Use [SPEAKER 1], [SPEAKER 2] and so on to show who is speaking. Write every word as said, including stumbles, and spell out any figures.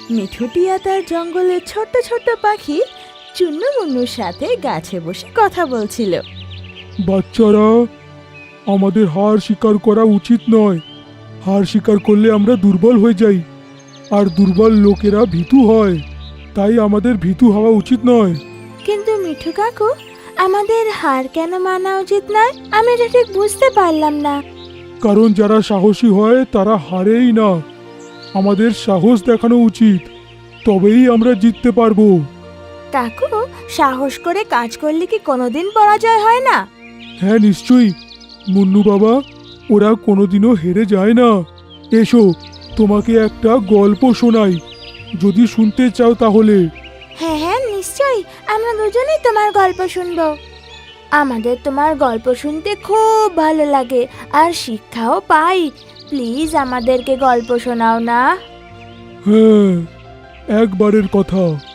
[SPEAKER 1] মিঠু টিয়া তার জঙ্গলের ছোট্ট ছোট্ট পাখি চুন্নু মুন্নুর সাথে গাছে বসে কথা বলছিল।
[SPEAKER 2] বাচ্চারা, আমাদের হার স্বীকার করা উচিত নয়। হার স্বীকার করলে আমরা দুর্বল হয়ে যাই, আর দুর্বল লোকেরা ভীতু হয়। তাই আমাদের ভীতু হওয়া উচিত নয়।
[SPEAKER 1] কিন্তু মিঠু কাকু, আমাদের হার কেন মানা উচিত নয়? আমি এটা ঠিক বুঝতে পারলাম না।
[SPEAKER 2] কারণ যারা সাহসী হয় তারা হারেই না। আমাদের সাহস দেখানো উচিত, তবেই আমরা জিততে পারবো।
[SPEAKER 1] কাকু, সাহস করে কাজ করলে কি কোনোদিন পরাজয় হয় না?
[SPEAKER 2] হ্যাঁ, নিশ্চয়ই মুন্নু বাবা, ওরা কোনোদিনও হেরে যায় না। এসো, তোমাকে একটা গল্প শোনাই, যদি শুনতে চাও তাহলে।
[SPEAKER 1] হ্যাঁ হ্যাঁ, নিশ্চয়ই, আমরা দুজনেই তোমার গল্প শুনবো। আমাদের তোমার গল্প শুনতে খুব ভালো লাগে, আর শিক্ষাও পাই। প্লিজ আমাদেরকে গল্প শোনাও না।
[SPEAKER 2] হ্যাঁ, একবারের কথা।